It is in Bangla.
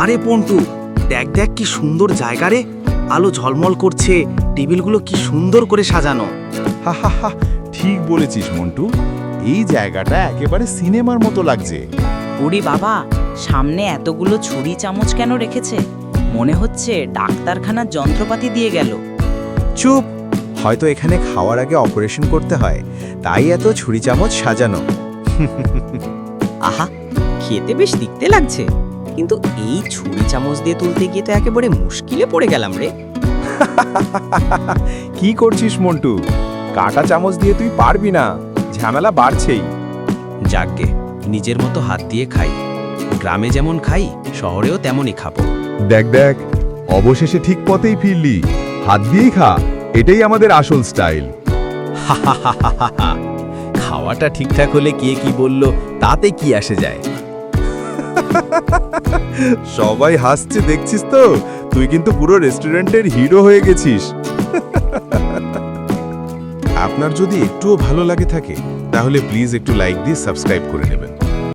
আরে পন্টু, দেখ দেখ কি সুন্দর জায়গা রে। আলো ঝলমল করছে, টেবিলগুলো কি সুন্দর করে সাজানো। হা হা হা, ঠিক বলেছিস মন্টু, এই জায়গাটা একেবারে সিনেমার মতো লাগছে। ওরে বাবা, সামনে এতগুলো ছুরি চামচ কেন রেখেছে? মনে হচ্ছে ডাক্তারখানার যন্ত্রপাতি দিয়ে গেল। চুপ, হয়তো এখানে খাওয়ার আগে অপারেশন করতে হয়, তাই এত ছুরি চামচ সাজানো। আহা, খেতে বেশ দেখতে লাগছে, কিন্তু এই ছুরি চামচ দিয়ে তুলতে গিয়ে তো একেবারে মুশকিলে পড়ে গেলাম রে। কি করছিস মন্টু? কাঁটা চামচ দিয়ে তুই পারবি না, ঝামেলা বাড়ছেই। যাকগে, নিজের মতো হাত দিয়ে খাই। গ্রামে যেমন খাই, শহরেও তেমনই খাবো। দেখ দেখ, অবশেষে ঠিক পথেই ফিরলি। হাত দিয়েই খা, এটাই আমাদের আসল স্টাইল। খাওয়াটা ঠিকঠাক হলে কে কি বলল তাতে কি আসে যায়। সবাই হাসছে দেখছিস তো, তুই কিন্তু পুরো রেস্টুরেন্টের হিরো হয়ে গেছিস। আপনার যদি একটুও ভালো লাগে থাকে তাহলে প্লিজ একটু লাইক দিয়ে সাবস্ক্রাইব করে নেবেন।